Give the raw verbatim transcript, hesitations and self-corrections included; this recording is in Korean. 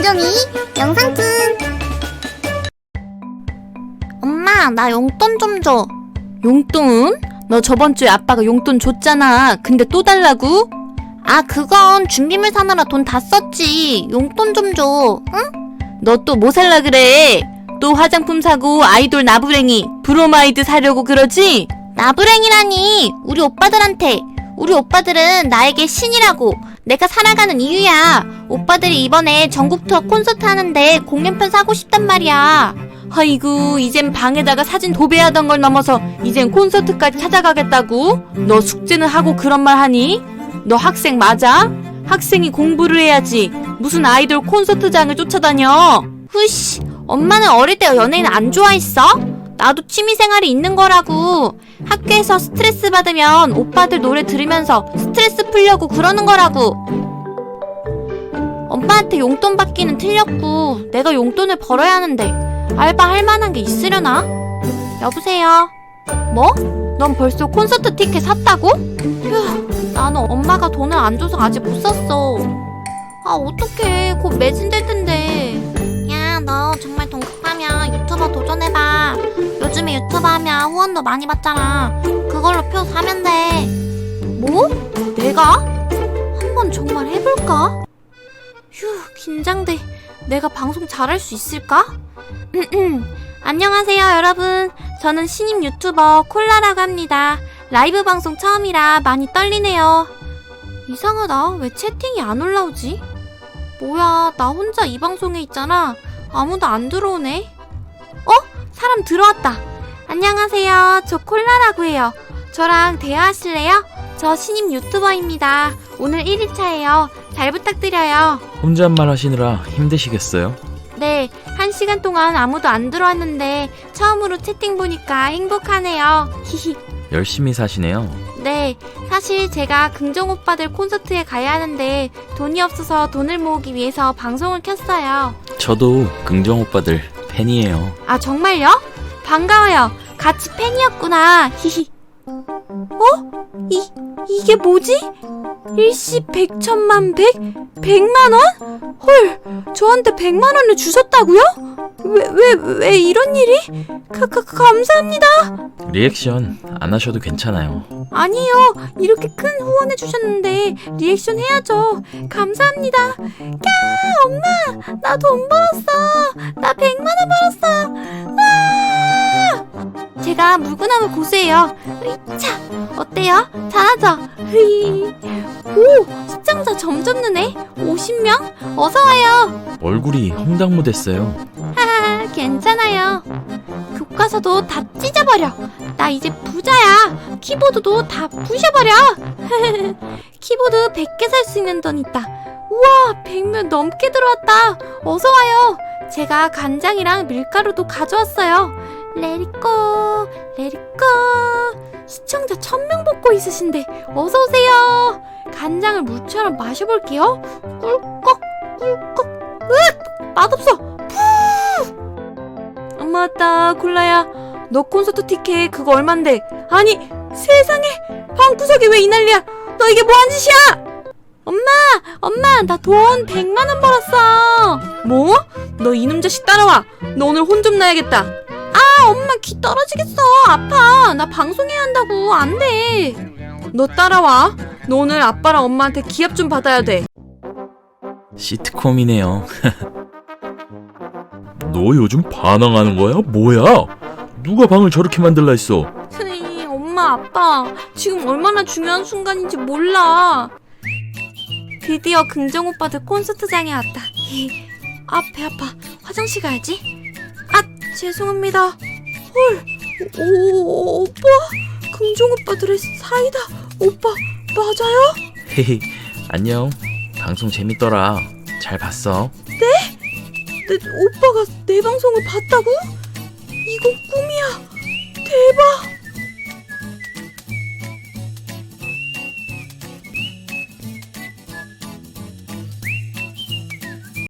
김종이 영상툰. 엄마, 나 용돈 좀 줘. 용돈? 너 저번주에 아빠가 용돈 줬잖아. 근데 또 달라고? 아, 그건 준비물 사느라 돈 다 썼지. 용돈 좀 줘, 응? 너 또 뭐 살라 그래? 또 화장품 사고 아이돌 나부랭이 브로마이드 사려고 그러지? 나부랭이라니. 우리 오빠들한테. 우리 오빠들은 나에게 신이라고. 내가 살아가는 이유야. 오빠들이 이번에 전국 투어 콘서트 하는데 공연편 사고 싶단 말이야. 아이고, 이젠 방에다가 사진 도배하던 걸 넘어서 이젠 콘서트까지 찾아가겠다고? 너 숙제는 하고 그런 말 하니? 너 학생 맞아? 학생이 공부를 해야지. 무슨 아이돌 콘서트장을 쫓아다녀? 후씨, 엄마는 어릴 때 연예인 안 좋아했어? 나도 취미생활이 있는 거라고. 학교에서 스트레스 받으면 오빠들 노래 들으면서 스트레스 풀려고 그러는 거라고. 엄마한테 용돈 받기는 틀렸고 내가 용돈을 벌어야 하는데 알바 할 만한 게 있으려나? 여보세요? 뭐? 넌 벌써 콘서트 티켓 샀다고? 휴, 나는 엄마가 돈을 안 줘서 아직 못 샀어. 아, 어떡해. 곧 매진될 텐데. 야, 너 정말 돈 급하면 유튜버 도전해봐. 요즘에 유튜버 하면 후원도 많이 받잖아. 그걸로 표 사면 돼. 뭐? 내가? 한번 정말 해볼까? 휴, 긴장돼. 내가 방송 잘할 수 있을까? 안녕하세요, 여러분. 저는 신임 유튜버 콜라라고 합니다. 라이브 방송 처음이라 많이 떨리네요. 이상하다. 왜 채팅이 안 올라오지? 뭐야, 나 혼자 이 방송에 있잖아. 아무도 안 들어오네. 어? 사람 들어왔다. 안녕하세요. 저 콜라라고 해요. 저랑 대화하실래요? 저 신임 유튜버입니다. 오늘 일 일차예요. 잘 부탁드려요. 혼잣말 하시느라 힘드시겠어요? 네, 한 시간 동안 아무도 안 들어왔는데 처음으로 채팅 보니까 행복하네요. 히히. 열심히 사시네요. 네, 사실 제가 긍정 오빠들 콘서트에 가야 하는데 돈이 없어서 돈을 모으기 위해서 방송을 켰어요. 저도 긍정 오빠들 팬이에요. 아, 정말요? 반가워요. 같이 팬이었구나. 히히. 어? 이, 이게 뭐지? 일시 백천만 백? 백만 원? 헐, 저한테 백만 원을 주셨다고요? 왜, 왜, 왜 이런 일이? 가, 가, 감사합니다. 리액션 안 하셔도 괜찮아요. 아니요, 이렇게 큰 후원해 주셨는데 리액션 해야죠. 감사합니다. 야, 엄마, 나 돈 벌었어. 나 백만 원 벌었어. 아! 제가 물구나무 고수예요. 으이차, 어때요? 잘하죠? 흐이. 오, 시청자 점점 느네. 오십 명? 어서 와요. 얼굴이 험당무 됐어요. 하하, 괜찮아요. 교과서도 다 찢어버려. 나 이제 부자야. 키보드도 다 부셔버려. 키보드 백 개 살 수 있는 돈 있다. 우와, 백 명 넘게 들어왔다. 어서 와요. 제가 간장이랑 밀가루도 가져왔어요. 레리꼬, 레리꼬. 시청자 천 명 뽑고 있으신데 어서 오세요. 간장을 물처럼 마셔볼게요. 꿀꺽, 꿀꺽. 으악! 맛없어. 푸! 엄마 왔다. 콜라야, 너 콘서트 티켓 그거 얼만데? 아니, 세상에, 방구석에 왜 이 난리야? 너 이게 뭐한 짓이야? 엄마, 엄마, 나 돈 백만 원 벌었어. 뭐? 너 이놈 자식 따라와. 너 오늘 혼 좀 나야겠다. 아, 엄마 귀 떨어지겠어. 아파. 나 방송해야 한다고. 안 돼. 너 따라와. 너 오늘 아빠랑 엄마한테 기합 좀 받아야 돼. 시트콤이네요. 너 요즘 반항하는 거야? 뭐야? 누가 방을 저렇게 만들라 했어? 흐이, 엄마, 아빠. 지금 얼마나 중요한 순간인지 몰라. 드디어 긍정 오빠들 콘서트장에 왔다. 아, 배 아파. 화장실 가야지. 아, 죄송합니다. 헐, 오, 오빠? 긍정 오빠들의 사이다. 오빠, 맞아요? 헤헤, 안녕. 방송 재밌더라. 잘 봤어. 네? 내, 오빠가 내 방송을 봤다고? 이거 꿈이야. 대박.